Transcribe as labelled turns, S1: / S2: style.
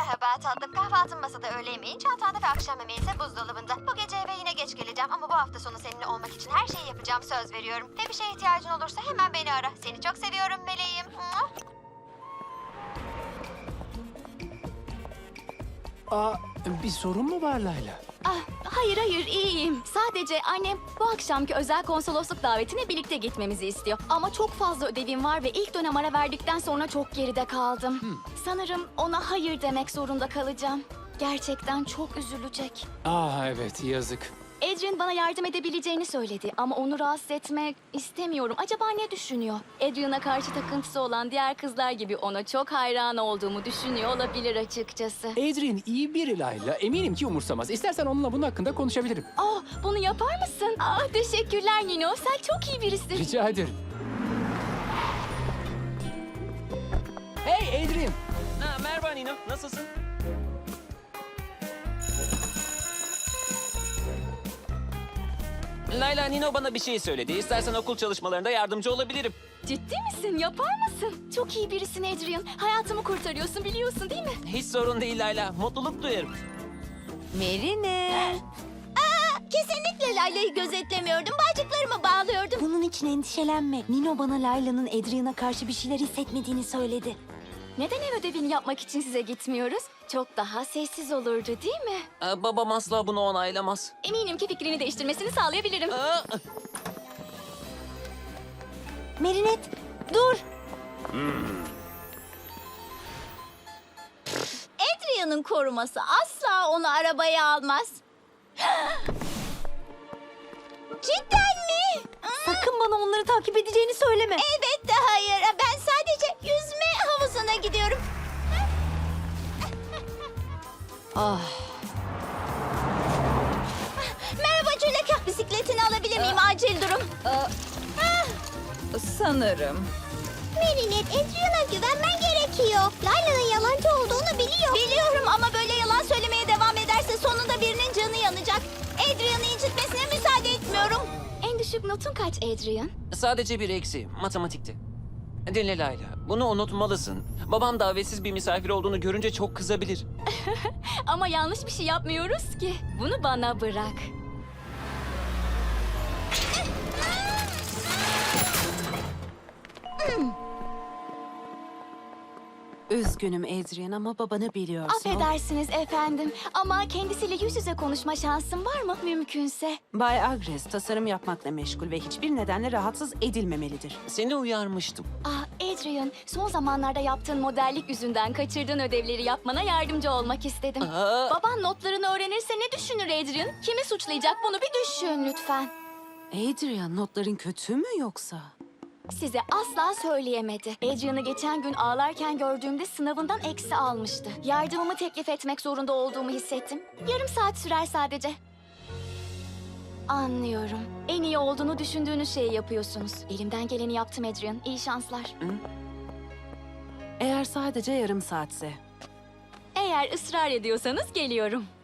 S1: Merhaba tatlım. Kahvaltım masada, öğle yemeğin çantanda ve akşam yemeği ise buzdolabında. Bu gece eve yine geç geleceğim ama bu hafta sonu seninle olmak için her şeyi yapacağım, söz veriyorum. Ve bir şeye ihtiyacın olursa hemen beni ara. Seni çok seviyorum meleğim. Mua.
S2: Bir sorun mu var Layla?
S3: Hayır iyiyim. Sadece annem bu akşamki özel konsolosluk davetine birlikte gitmemizi istiyor. Ama çok fazla ödevim var ve ilk dönem ara verdikten sonra çok geride kaldım. Sanırım ona hayır demek zorunda kalacağım. Gerçekten çok üzülecek.
S2: Evet, yazık.
S3: Adrian bana yardım edebileceğini söyledi ama onu rahatsız etmek istemiyorum. Acaba ne düşünüyor? Adrian'a karşı takıntısı olan diğer kızlar gibi ona çok hayran olduğumu düşünüyor olabilir açıkçası.
S2: Adrian iyi biri Layla. Eminim ki umursamaz. İstersen onunla bunun hakkında konuşabilirim.
S3: Bunu yapar mısın? Teşekkürler Nino. Sen çok iyi birisin.
S2: Rica ederim. Hey Adrian!
S4: Merhaba Nino, nasılsın? Layla, Nino bana bir şey söyledi. İstersen okul çalışmalarında yardımcı olabilirim.
S3: Ciddi misin? Yapar mısın? Çok iyi birisin Adrian. Hayatımı kurtarıyorsun, biliyorsun değil mi?
S4: Hiç sorun değil Layla, mutluluk duyarım.
S5: Merine.
S3: Kesinlikle Layla'yı gözetlemiyordum. Bağcıklarımı bağlıyordum.
S5: Bunun için endişelenme. Nino bana Layla'nın Adrian'a karşı bir şeyler hissetmediğini söyledi.
S3: Neden ev ödevini yapmak için size gitmiyoruz? Çok daha sessiz olurdu değil mi?
S4: Babam asla bunu onaylamaz.
S3: Eminim ki fikrini değiştirmesini sağlayabilirim.
S5: Merinet, dur.
S3: Adrian'ın koruması asla onu arabaya almaz. Cidden mi?
S5: Sakın bana onları takip edeceğini söyleme.
S3: Evet de hayır. Ben sadece yüzme havuzuna gidiyorum. Merhaba Juleka. Bisikletini alabilir miyim? Acil durum.
S5: Sanırım.
S3: Merinet, Adrian'a güvenmen gerekiyor. Layla'nın yalancı olduğunu biliyor. Biliyorum ama böyle yalan söylemeye devam ederse sonunda birinin canı yanacak. Adrian'ı incitmesine müsaade etmiyorum. En düşük notun kaç Adrian?
S4: Sadece bir eksi, matematikte. Dinle Layla, bunu unutmalısın. Babam davetsiz bir misafir olduğunu görünce çok kızabilir.
S3: Ama yanlış bir şey yapmıyoruz ki. Bunu bana bırak.
S5: Üzgünüm Adrian ama babanı biliyorsun.
S3: Affedersiniz efendim ama kendisiyle yüz yüze konuşma şansım var mı mümkünse?
S6: Bay Agres tasarım yapmakla meşgul ve hiçbir nedenle rahatsız edilmemelidir.
S4: Seni uyarmıştım.
S3: Adrian, son zamanlarda yaptığın modellik yüzünden kaçırdığın ödevleri yapmana yardımcı olmak istedim. Baban notlarını öğrenirse ne düşünür Adrian? Kimi suçlayacak bunu bir düşün lütfen.
S6: Adrian notların kötü mü yoksa?
S3: Size asla söyleyemedi. Adrian'ı geçen gün ağlarken gördüğümde sınavından eksi almıştı. Yardımımı teklif etmek zorunda olduğumu hissettim. Yarım saat sürer sadece. Anlıyorum. En iyi olduğunu düşündüğünüz şeyi yapıyorsunuz. Elimden geleni yaptım Adrian. İyi şanslar.
S6: Eğer sadece yarım saatse.
S3: Eğer ısrar ediyorsanız geliyorum.